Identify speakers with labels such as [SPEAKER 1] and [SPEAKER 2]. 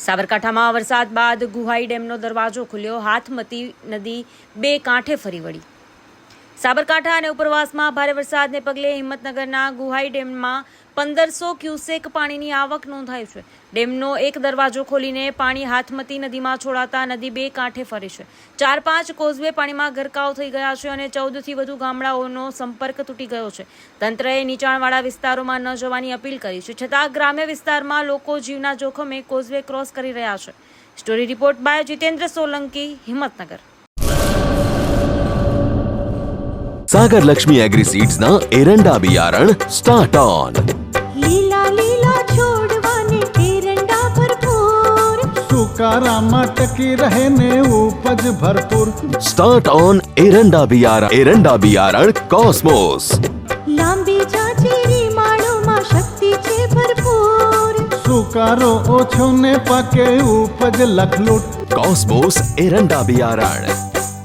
[SPEAKER 1] સાબરકાંઠામાં વરસાદ બાદ ગુહાઈ ડેમનો દરવાજો ખુલ્યો, હાથમતી નદી બે કાંઠે ફરી વળી। સાબરકાંઠા અને ઉપરવાસમાં ભારે વરસાદને પગલે હિંમતનગરના ગુહાઈ ડેમમાં 1500 ક્યુસેક પાણીની આવક નોંધાઈ છે। ડેમનો એક દરવાજો ખોલીને પાણી હાથમતી નદીમાં છોડાતા નદી બે કાંઠે ફરી છે। 4-5 કોઝવે પાણીમાં ગરકાવ થઈ ગયા છે અને 14 થી વધુ ગામડાઓનો સંપર્ક તૂટી ગયો છે। તંત્રએ નીચાણવાળા વિસ્તારોમાં ન જવાની અપીલ કરી છે, છતાં ગ્રામ્ય વિસ્તારમાં લોકો જીવના જોખમે કોઝવે ક્રોસ કરી રહ્યા છે। Story report by Jitendra Solanki, Himmatnagar.
[SPEAKER 2] Sagar Lakshmi agri seeds ना एरंडा बियारण स्टार्ट ऑन।
[SPEAKER 3] लीला लीला छोड़वाने एरंडा भरपूर,
[SPEAKER 4] सुकारामा टकी रहे ने उपज भरपूर।
[SPEAKER 2] स्टार्ट ऑन एरंडा बियारण कॉस्मोस।
[SPEAKER 3] लांबी जाचेरी माळोमां शक्ति छे भरपूर,
[SPEAKER 4] सुकारो ओछो ने पाके उपज लखलूट।
[SPEAKER 2] कॉस्मोस एरंडा बियारण।